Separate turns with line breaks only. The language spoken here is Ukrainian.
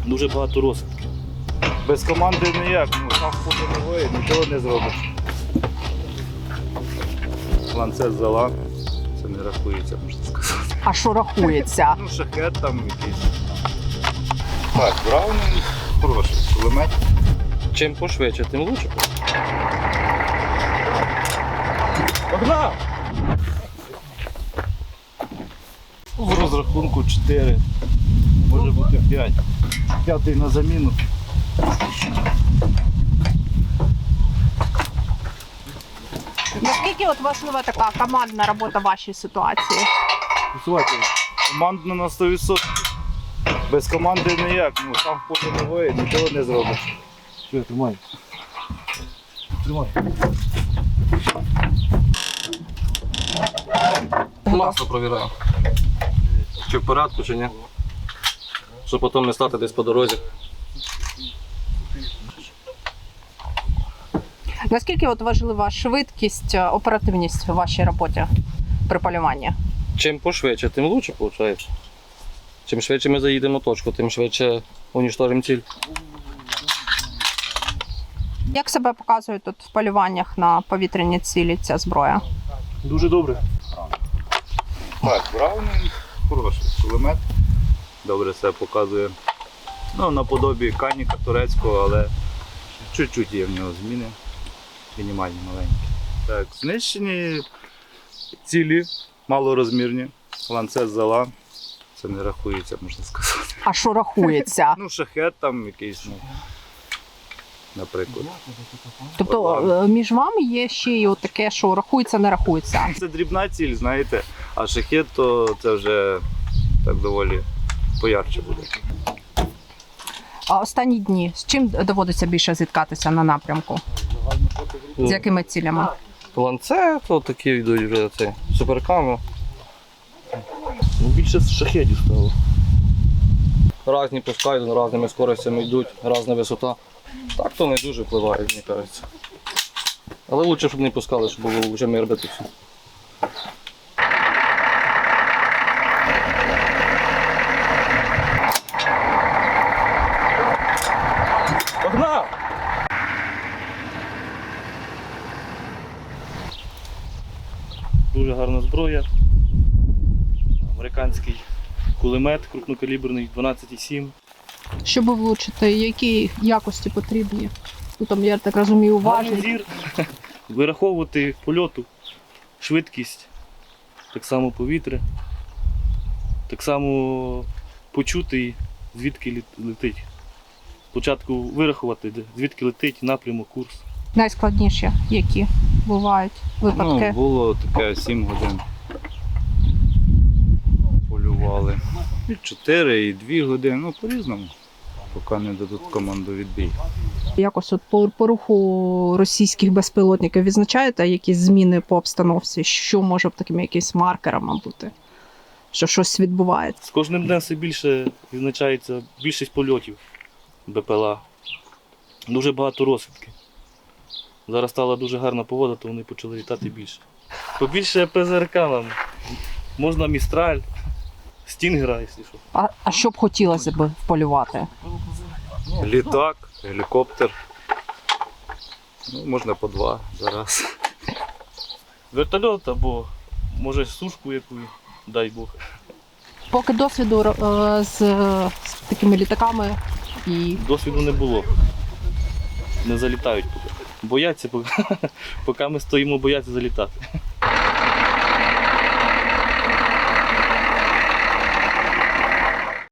Дуже багато розвідки. Без команди ніяк, сам фото нічого не зробиш. Ланцет зала, це не рахується, можна сказати.
А що рахується?
Шахет там якийсь. Так, Браунінг хороший, кулемет.
Чим пошвидше, тим лучше. Погнав!
В розрахунку 4, може бути 5. П'ятий на заміну.
Наскільки от важлива така командна робота в вашій ситуації?
Командно на 100%. Без команди ніяк, сам фото нічого не зробиш.
Що, тримай. Тримай.
Масло провіряю. Чи в порядку, чи ні. Щоб потім не стати десь по дорозі.
Наскільки от важлива швидкість, оперативність у вашій роботі при полюванні?
Чим пошвидше, тим лучше виходить. Чим швидше ми заїдемо в точку, тим швидше уничтожимо ціль.
Як себе показує тут в полюваннях на повітряні цілі ця зброя?
Дуже добре.
Так, Браунінг хороший, кулемет. Добре себе показує. Наподобі каніка турецького, але чуть-чуть є в нього зміни. Мінімальні, маленькі. Так, знищені цілі, малорозмірні. Ланцет зала. Це не рахується, можна сказати.
А що рахується?
Шахет там якийсь, наприклад.
Тобто між вами є ще й от таке, що рахується, не рахується.
Це дрібна ціль, знаєте, а шахет то це вже так доволі поярче буде.
А останні дні з чим доводиться більше зіткатися на напрямку? З якими цілями?
Ланцет, такі йдуть вже суперками.
Більше з шахедів стало.
Різні пускають, різними скоростями йдуть, різна висота. Так то не дуже впливає, мені кажеться. Але краще, щоб не пускали, щоб було вже мир бити все. Погнав!
Дуже гарна зброя. Американський кулемет крупнокаліберний 12,7.
Щоб влучити, які якості потрібні? Там, я так розумію,
Гарний
уважність.
зір, вираховувати польоту, швидкість, так само повітря, так само почути, звідки летить. Спочатку вирахувати, звідки летить, напрямок, курс.
Найскладніші, які бувають випадки?
Було таке 7 годин. Полювали. І 4, і 2 години, по-різному, поки не дадуть команду відбій.
Якось от по руху російських безпілотників відзначаєте якісь зміни по обстановці? Що може такими якимись маркерами бути? Що щось відбувається?
З кожним днем все більше відзначається більшість польотів БПЛА. Дуже багато розвідки. Зараз стала дуже гарна погода, то вони почали літати більше. Побільше ПЗРК нам. Можна Містраль, Стінгера, якщо що.
А що б хотілося б полювати?
Літак, гелікоптер. Можна по 2 зараз. Вертольот або може сушку яку, дай Бог.
Поки досвіду з такими літаками і
Досвіду не було. Не залітають поки. Бояться, поки ми стоїмо, бояться залітати.